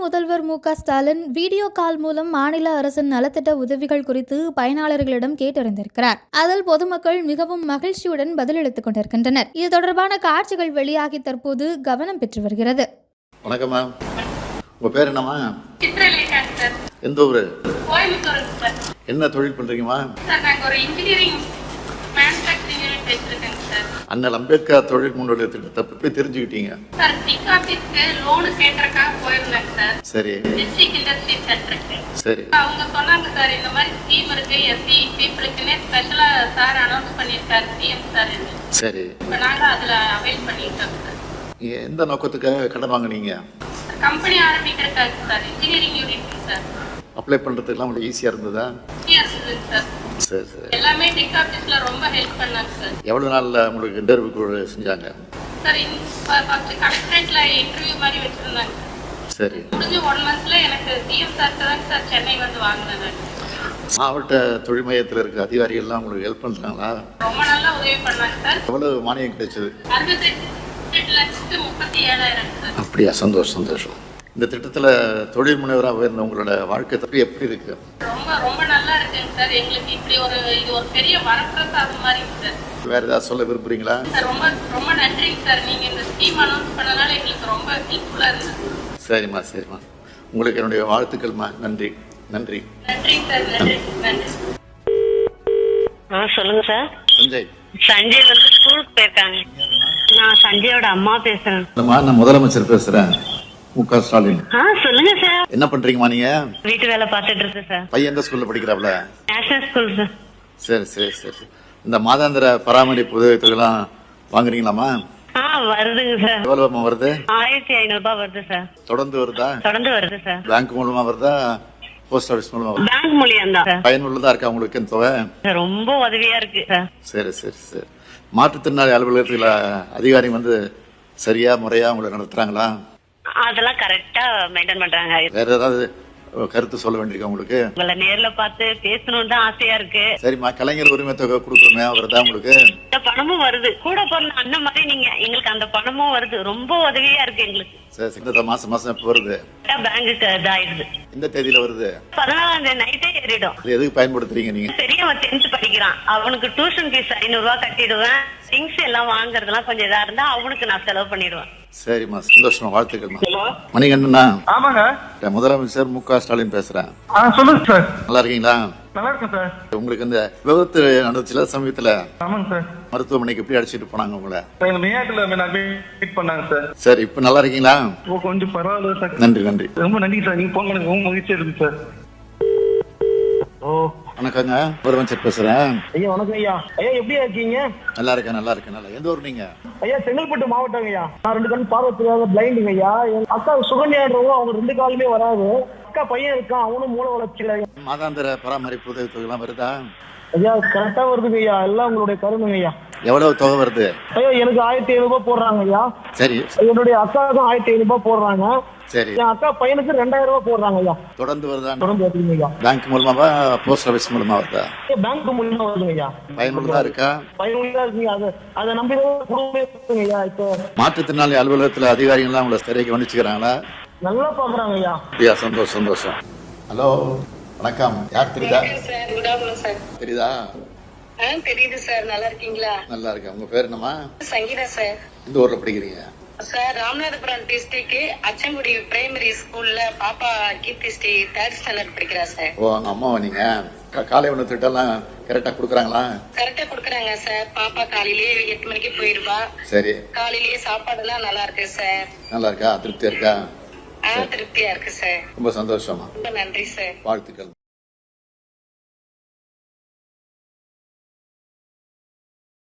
முதல்வர் மு.க. Stalin video call மூலம் மாநில அரசின் நலத்திட்ட உதவிகள் குறித்து பயனாளர்களிடம் கேட்டறிந்திருக்கிறார். அதில் பொதுமக்கள் மிகவும் மகிழ்ச்சியுடன் பதிலளித்துக் கொண்டிருக்கின்றனர். இது தொடர்பான காட்சிகள் வெளியாகி தற்போது கவனம் பெற்று வருகிறது. வணக்கம் மேம். உங்க பேர் என்னம்மா? எந்த ஊரு? என்ன தொழில் பண்றீங்கம்மா? அண்ணல் அம்பேத்கர் தொழில் முன்னோடி திட்டத்தை பற்றி தெரிஞ்சுக்கிட்டீங்க. சரி சரி. அவங்க சொன்னாங்க சார், இந்த மாதிரி ஸ்கீம் இருக்கு, எஸ்சி பீப்புளுக்குன்னே ஸ்பெஷலா சார் அனௌன்ஸ் பண்ணிருக்காரு சிஎம் சார். சரி. இப்ப நாங்க அதுல அவைல் பண்ணிட்டோம் சார். எந்த நோக்கத்துக்காக கடன் வாங்குனீங்க? கம்பெனி ஆரம்பிக்கிறதுக்காக sir, engineering unit sir. Apply பண்றதுக்குலாம் உங்களுக்கு ஈஸியா இருந்ததா? சார் சரி சரி. எல்லாமே டிக் ஆபீஸ்ல ரொம்ப ஹெல்ப் பண்ணாங்க சார். எவ்வளவு நாள்ல உங்களுக்கு இன்டர்வியூ செஞ்சாங்க? சார் ஃபர்ஸ்ட் கலெக்டரேட்ல இன்டர்வியூ மாதிரி வச்சிருந்தாங்க. சரி. முடிஞ்சு 1 மந்த்ல எனக்கு சிஎம் சார் தான் சார் சென்னை வந்து வாங்கினேன். மாவட்ட தொழில் மையத்தில் இருக்க அதிகாரிகள்லாம் உங்களுக்கு ஹெல்ப் பண்றாங்களா? ரொம்ப நல்லா உதவி பண்ணாங்க சார். எவ்வளவு மானியம் கிடைச்சது? 68,37,000 சார். அப்படியா? சந்தோஷம் சந்தோஷம். இந்த திட்டத்தில் தொழில் முனைவராக உயர்ந்த உங்களோட வாழ்க்கை தப்பி எப்படி இருக்கு? ரொம்ப ரொம்ப நல்லா இருக்குங்க சார். எங்களுக்கு இப்படி இது ஒரு பெரிய வரப்பிரசாதம் மாதிரி சார். வேற ஏதாவது சொல்ல விரும்புறீங்களா? சார் ரொம்ப ரொம்ப நன்றிங்க சார். நீங்க இந்த ஸ்கீம் அனௌன்ஸ் பண்ணனால எங்களுக்கு ரொம்ப ஹெல்ப்ஃபுல்லா இருந்துச்சு. சரிம்மா சரிம்மா. உங்களுக்கு என்னுடைய வாழ்த்துக்கள்மா. நன்றி நன்றி. நன்றிங்க சார். நன்றி நன்றி. சொல்லுங்க சார். சஞ்சய் வந்து ஸ்கூலுக்கு போயிருக்காங்க. நான் சஞ்சயோட அம்மா பேசுறேன். நான் முதலமைச்சர் பேசுறேன், மு.க. ஸ்டாலின். சொல்லுங்க சார். என்ன பண்றீங்கம்மா நீங்க? வீட்டு வேலை பார்த்துட்டு இருக்கு சார். பையன் எந்த ஸ்கூல்ல படிக்கிறாப்ல? National school sir. சரி சரி சரி. இந்த மாதாந்திர பராமரிப்பு உதவித்தொகைலாம் வாங்குறீங்களாமா? வருதுங்க சார். எவ்வளவு வருது? 1500 ரூபாய் வருது சார். தொடர்ந்து வருதா? தொடர்ந்து வருது சார். பேங்க் மூலமா வருதா, போஸ்ட் ஆபீஸ் மூலமா வருதா? பேங்க் மூலியம் தான். பயனுள்ளதா இருக்கா உங்களுக்கு இந்த தொகை? ரொம்ப உதவியா இருக்கு சார். சரி சரி சரி. மாற்றுத்திறனாளி அலுவலகத்துல அதிகாரி வந்து சரியா முறையா உங்களை நடத்துறாங்களா? அதெல்லாம் கரெக்டா மெயின்டைன் பண்றாங்க. வேற ஏதாவது கருத்து சொல்ல வேண்டியிருக்கா உங்களுக்கு? உங்களை நேர்ல பார்த்து பேசணும்னு தான் ஆசையா இருக்கு. சரிம்மா. கலைஞர் உரிமை தொகை கொடுக்கணுமே, வருதா உங்களுக்கு? இந்த பணமும் வருது. கூட பிறந்த அண்ணன் மாதிரி நீங்க எங்களுக்கு அந்த பணமும் வருது. ரொம்ப உதவியா இருக்கு எங்களுக்கு. சரி. இந்த மாசம் எப்ப வருது? பேங்குக்கு இதாயிடுது. இந்த தேதியில வருது? 14 நைட்டே ஏறிடும். எதுக்கு பயன்படுத்துறீங்க நீங்க? பெரியவன் 10th படிக்கிறான். அவனுக்கு டியூஷன் ஃபீஸ் 500 ரூபாய் கட்டிடுவேன். திங்ஸ் எல்லாம் வாங்குறதுலாம் கொஞ்சம் இதா இருந்தா அவனுக்கு நான் செலவு பண்ணிடுவேன். சரிம்மா. சந்தோஷமா. வாழ்த்துக்கள்மா. மணிகண்டனா? ஆமாங்க. முதலமைச்சர் மு.க. ஸ்டாலின் பேசுறேன். சொல்லுங்க சார். நல்லா இருக்கீங்களா? நல்லா இருக்கேன் சார். உங்களுக்கு இந்த விபத்து நடந்துச்சுல சமயத்துல? ஆமாங்க சார். மருத்துவமனைக்கு எப்படி அழைச்சிட்டு போனாங்க உங்களை? எங்க மேயாட்டுல அட்மிட் பண்ணாங்க சார். சரி. இப்ப நல்லா இருக்கீங்களா? கொஞ்சம் பரவாயில்ல சார். நன்றி நன்றி. ரொம்ப நன்றி சார். நீங்க போன் பண்ணி ரொம்ப மகிழ்ச்சியா இருக்கு சார். வணக்கங்க. முதலமைச்சர் பேசுறேன். ஐயா வணக்கம் ஐயா. ஐயா எப்படியா இருக்கீங்க? நல்லா இருக்கேன் நல்லா இருக்கேன். நல்லா. எந்த ஊர் நீங்க? ஐயா செங்கல்பட்டு மாவட்டம் ஐயா. நான் 2 கண் பார்வை தெரியாத பிளைண்டுங்க ஐயா. என் அக்கா சுகன்யான்றவங்க, அவங்க 2 காலுமே வராது. அக்கா பையன் இருக்கான், அவனும் மூளை வளர்ச்சியில. மாதாந்திர பராமரிப்பு உதவி தொகை எல்லாம் வருதா? ஐயா கரெக்டா வருதுங்க ஐயா. எல்லாம் உங்களுடைய கருணுங்க ஐயா. எவ்வளவு தொகை வருது? ஐயா எனக்கு 1500 ரூபாய் போடுறாங்க ஐயா. சரி. என்னுடைய அக்காவுக்கும் 1500 ரூபாய் போடுறாங்க. சரி. என் அக்கா பையனுக்கு 2000 ரூபாய் போடுறாங்க ஐயா. தொடர்ந்து வருதா? தொடர்ந்து வருதுங்க ஐயா. பேங்க் மூலமாவா, போஸ்ட் ஆபீஸ் மூலமா வருதா? பேங்க் மூலமா வருதுங்க ஐயா. பயனுள்ளதா இருக்கா? பயனுள்ளதா இருக்குங்க. அதை நம்பி குடும்பமே இருக்குங்க ஐயா. இப்போ மாற்றுத்திறனாளி அலுவலகத்துல அதிகாரிகள் உங்களை சரியாக கவனிச்சுக்கிறாங்களா? நல்லா பாக்குறாங்க ஐயா. ஐயா சந்தோஷம் சந்தோஷம். ஹலோ வணக்கம். யார் தெரியுதா? தெரியுதா? தெரியுது சார். நல்லா இருக்கீங்களா? நல்லா இருக்கேன். உங்க பேர் என்னமா? சங்கீதா சார். இந்த ஊர்ல படிக்கிறீங்க? Sir Ramanathapuram district Achankudi primary ஸ்கூல்ல பாப்பா கீர்த்தி ஸ்ரீ 3rd ஸ்டாண்டர்ட் படிக்கிறா சார். ஓ அங்க அம்மாவா நீங்க? காலை உணவு திட்டம்லாம் கரெக்டா குடுக்குறாங்களா? கரெக்டா குடுக்குறாங்க சார். பாப்பா காலையிலேயே 8 மணிக்கு போயிருவா. சரி. காலையிலேயே சாப்பாடுலாம் நல்லா இருக்கு சார். நல்லா இருக்கா? திருப்தியா இருக்கா? திருப்தியா இருக்கு சார். ரொம்ப சந்தோஷமா. ரொம்ப நன்றி சார். வாழ்த்துக்கள்.